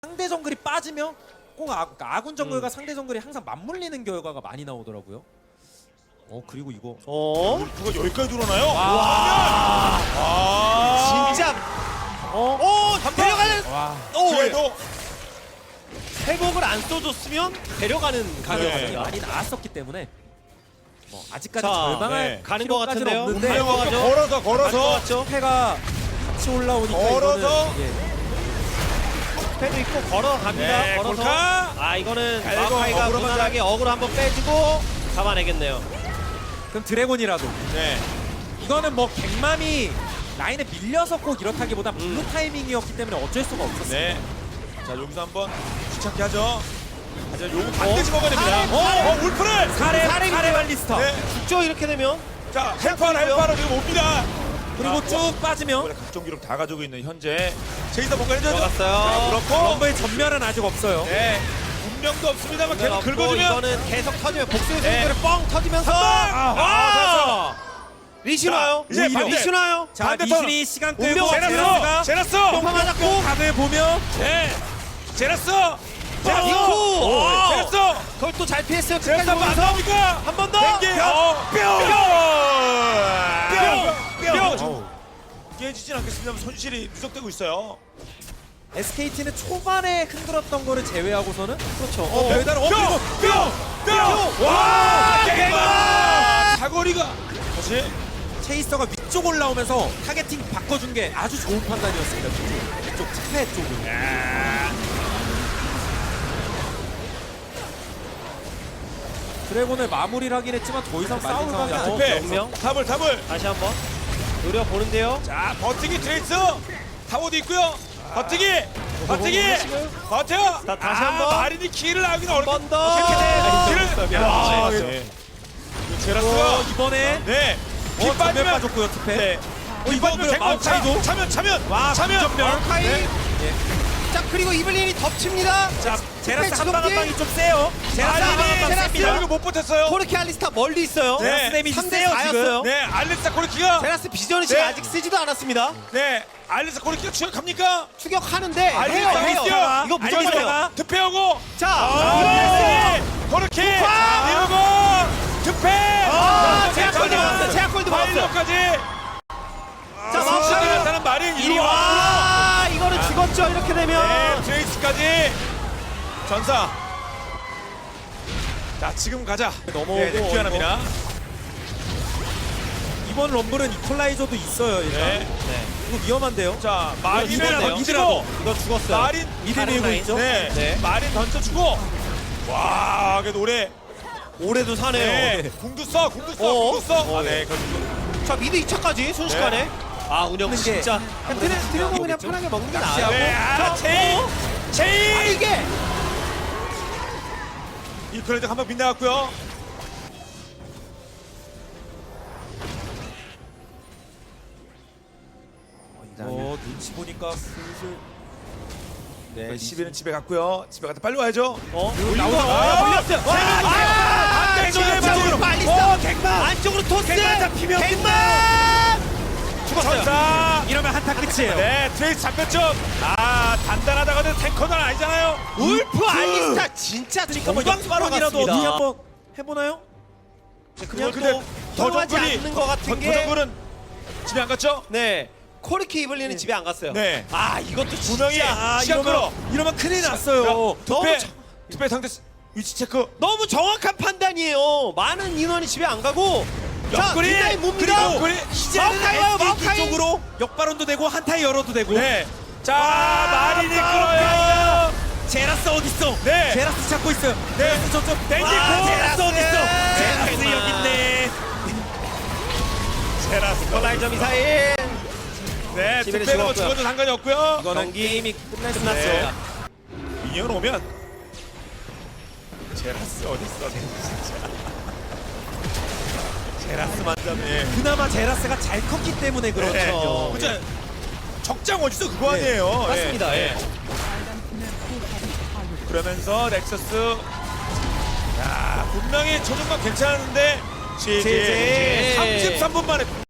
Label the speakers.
Speaker 1: 상대 정글이 빠지면 꼭 아군 정글과 상대 정글이 항상 맞물리는 결과가 많이 나오더라고요. 그리고 이거
Speaker 2: 누가 여기까지 들어오나요?
Speaker 3: 진짜 데려가는
Speaker 2: 그래도
Speaker 3: 회복을 안 써줬으면 데려가는 가격이었습니다.
Speaker 1: 많이 나왔었기 때문에 아직까지
Speaker 3: 자,
Speaker 1: 절망할
Speaker 3: 가는 것
Speaker 1: 필요까지는
Speaker 3: 같은데요.
Speaker 1: 없는데
Speaker 3: 가는 것 같죠?
Speaker 2: 걸어서
Speaker 3: 맞죠?
Speaker 1: 패가 같이 올라오니까
Speaker 2: 걸어서?
Speaker 1: 이거는
Speaker 3: 패도 있고 걸어갑니다.
Speaker 2: 네,
Speaker 3: 걸어서
Speaker 2: 골카.
Speaker 3: 이거는
Speaker 2: 갈고
Speaker 3: 마오카이가
Speaker 2: 어그로
Speaker 3: 무난하게 어그로 한번 빼주고 잡아내겠네요.
Speaker 1: 그럼 드래곤이라도
Speaker 2: 네.
Speaker 1: 이거는 뭐 갱맘이 라인에 밀려서 꼭 이렇다기보다 블루 타이밍이었기 때문에 어쩔 수가 없었어요.
Speaker 2: 네. 자 여기서 한번 귀찮게 하죠. 하지만 요거 반드시 먹어야 됩니다.
Speaker 3: 사례.
Speaker 2: 울프를.
Speaker 1: 사례 발리스터
Speaker 2: 네.
Speaker 3: 죽죠 이렇게 되면.
Speaker 2: 자 헬파로 지금 옵니다.
Speaker 1: 그리고 쭉 빠지면
Speaker 2: 원래 각종 기록 다 가지고 있는 현재 제이사 뭔가 해줘야죠.
Speaker 3: 들어갔어요.
Speaker 2: 그렇고
Speaker 1: 럼버의 전멸은 아직 없어요.
Speaker 2: 네. 운명도 없습니다만 계속
Speaker 3: 없고
Speaker 2: 긁어주면
Speaker 3: 이거는 계속 터지면 복수의
Speaker 2: 네.
Speaker 3: 승부를 뻥 터지면서 리시나요?
Speaker 2: 이제 반대.
Speaker 3: 리시나요?
Speaker 1: 자,
Speaker 2: 반대
Speaker 1: 리신이 시간 끌고
Speaker 3: 운명
Speaker 1: 제라스가
Speaker 2: 제라스.
Speaker 3: 똥파 맞았고
Speaker 1: 각을 보면
Speaker 2: 네. 제라스.
Speaker 3: 이코
Speaker 2: 제라스.
Speaker 3: 그걸 또 잘 피했어요.
Speaker 2: 제라스
Speaker 3: 끝까지
Speaker 2: 한번 안
Speaker 3: 보면서
Speaker 2: 나옵니까?
Speaker 3: 한 번 더.
Speaker 2: 뿅. 깨지진 않겠습니다만 손실이 누적되고 있어요.
Speaker 1: SKT는 초반에 흔들었던 거를 제외하고서는
Speaker 3: 그렇죠.
Speaker 1: 배달 그리고
Speaker 2: 뿅. 와, 갱마. 사거리가 다시
Speaker 1: 체이서가 위쪽 올라오면서 타겟팅 바꿔준 게 아주 좋은 판단이었습니다. 위쪽 스페 쪽은. 드래곤을 마무리를 하긴 했지만 더 이상 싸울 각이 안
Speaker 2: 투패.
Speaker 3: 명명.
Speaker 2: 탑을
Speaker 3: 다시 한번 노려보는데요.
Speaker 2: 자 버티기 트레이스 타워도 있고요. 버티기 버텨.
Speaker 3: 자, 다시 한번.
Speaker 2: 마린이 키를 나오기는
Speaker 3: 한 번 더.
Speaker 2: 키를 제라스가
Speaker 1: 이번에
Speaker 2: 네. 키
Speaker 1: 전멸
Speaker 2: 빠지면
Speaker 1: 빠졌고요 투패.
Speaker 2: 네.
Speaker 1: 이거
Speaker 2: 빠지면
Speaker 1: 마우카이도
Speaker 2: 차면
Speaker 1: 와 전멸.
Speaker 3: 마오카이. 자 그리고 이블린이 덮칩니다.
Speaker 1: 자 제라스
Speaker 3: 투패
Speaker 1: 한 방 한
Speaker 3: 주먹질.
Speaker 1: 방이 좀 세요. 제라스 한 방 한 방
Speaker 3: 제라스.
Speaker 1: 셉니다.
Speaker 2: 이거 못 버텼어요.
Speaker 3: 코르키 알리스타 멀리 있어요.
Speaker 2: 네.
Speaker 1: 제라스 데미지
Speaker 3: 3대
Speaker 1: 세요
Speaker 3: 4였어요.
Speaker 1: 지금.
Speaker 2: 네, 알리사 코르키가
Speaker 3: 제라스 비전이
Speaker 2: 네.
Speaker 3: 아직 쓰지도 않았습니다.
Speaker 2: 네, 알리사 코르키가 추격합니까?
Speaker 3: 추격하는데
Speaker 2: 알리사
Speaker 3: 해요.
Speaker 2: 있어요.
Speaker 3: 이거 무조건이에요.
Speaker 2: 득패하고
Speaker 3: 자,
Speaker 2: 코르키
Speaker 3: 득파!
Speaker 2: 이러고 득패.
Speaker 3: 제약골드 받았어요. 제약골드 받았어요.
Speaker 2: 파일럿까지.
Speaker 3: 자,
Speaker 2: 마우카이
Speaker 3: 마우카이.
Speaker 2: 나타난 마린
Speaker 3: 이리 와. 이거는 죽었죠. 이렇게
Speaker 2: 네,
Speaker 3: 되면.
Speaker 2: 트레이스까지 전사. 자, 지금 가자.
Speaker 1: 넘어오고
Speaker 2: 네, 귀환합니다.
Speaker 1: 이번 럼블은 이퀄라이저도 있어요 일단.
Speaker 2: 네.
Speaker 1: 이거 위험한데요.
Speaker 2: 자,
Speaker 3: 이거
Speaker 2: 마린을
Speaker 3: 죽었네요.
Speaker 2: 던지고
Speaker 3: 이거 죽었어요.
Speaker 2: 마린
Speaker 1: 미드
Speaker 3: 다른
Speaker 1: 밀고
Speaker 3: 라인.
Speaker 1: 있죠.
Speaker 2: 네,
Speaker 3: 네.
Speaker 2: 마린 던져주고. 와, 그래도 오래.
Speaker 3: 올해도 사네요.
Speaker 2: 네, 궁도 써. 네,
Speaker 3: 자, 미드 2차까지 순식간에. 운영
Speaker 1: 근데 이게
Speaker 3: 진짜. 드래곤 그냥
Speaker 1: 겠죠?
Speaker 3: 편하게 먹는 게
Speaker 1: 낚시하고.
Speaker 3: 나아요.
Speaker 2: 네, 제이.
Speaker 3: 이게
Speaker 2: 이 그래도 한번 빗나갔고요.
Speaker 1: 눈치 보니까 슬슬
Speaker 2: 네, 12는 집에 갔고요. 집에 갔다 빨리 와야죠.
Speaker 3: 나오자. 물렸어요.
Speaker 2: 안쪽으로
Speaker 3: 빨리
Speaker 1: 갱만!
Speaker 3: 안쪽으로 토스.
Speaker 1: 갱만 잡히면
Speaker 3: 갱만. 죽었어요.
Speaker 2: 전사.
Speaker 1: 이러면 한타 끝이에요.
Speaker 2: 네, 트레이스 잡혔죠. 단단하다가도 탱커는 아니잖아요.
Speaker 3: 울프 알리스타 진짜
Speaker 1: 뭐 역발언이라도 어떻게
Speaker 3: 것
Speaker 1: 한번 해보나요?
Speaker 3: 그냥
Speaker 2: 근데
Speaker 3: 또 통하지 않는 것 같은 게.
Speaker 2: 정글은 집에 안 갔죠?
Speaker 3: 네. 코르키 이블리는 집에 안 갔어요.
Speaker 2: 네.
Speaker 3: 이것도
Speaker 2: 분명히
Speaker 3: 진짜
Speaker 2: 시간 끌어.
Speaker 1: 이러면 큰일 났어요.
Speaker 2: 투패,
Speaker 3: 정-
Speaker 2: 투패 상대 위치 체크.
Speaker 3: 너무 정확한 판단이에요. 많은 인원이 집에 안 가고. 자,
Speaker 2: 옆구리,
Speaker 3: 뒷라인 뭡니다.
Speaker 2: 그리고 옆구리.
Speaker 3: 마오카이 와요,
Speaker 1: SKT
Speaker 3: 마오카이.
Speaker 1: 쪽으로 역발언도 되고 한타에 열어도 되고.
Speaker 2: 네. 자, 마린이
Speaker 1: 마오카이가.
Speaker 2: 끌어요.
Speaker 1: 제라스 어딨어?
Speaker 2: 네.
Speaker 1: 제라스 찾고 있어요.
Speaker 2: 네.
Speaker 1: 제라스 저쪽
Speaker 2: 땡기고.
Speaker 1: 제라스 어딨어? 제라스
Speaker 3: 갱만.
Speaker 1: 여기 있네.
Speaker 2: 제라스.
Speaker 3: 라이저 미사일.
Speaker 2: 네,
Speaker 3: 집에는
Speaker 2: 투패가 뭐
Speaker 3: 죽었고요.
Speaker 2: 죽어도 상관이 없고요.
Speaker 3: 경기 이미 끝났어요.
Speaker 2: 네. 미니언 오면 제라스 어딨어? 진짜. 제라스만 잡네.
Speaker 1: 그나마 제라스가 잘 컸기 때문에 그렇죠.
Speaker 2: 진짜 적장 어딨어 그거 아니에요.
Speaker 3: 맞습니다. 예.
Speaker 2: 그러면서 넥서스. 야, 분명히 초중반 괜찮은데
Speaker 3: 제제.
Speaker 2: 33분 만에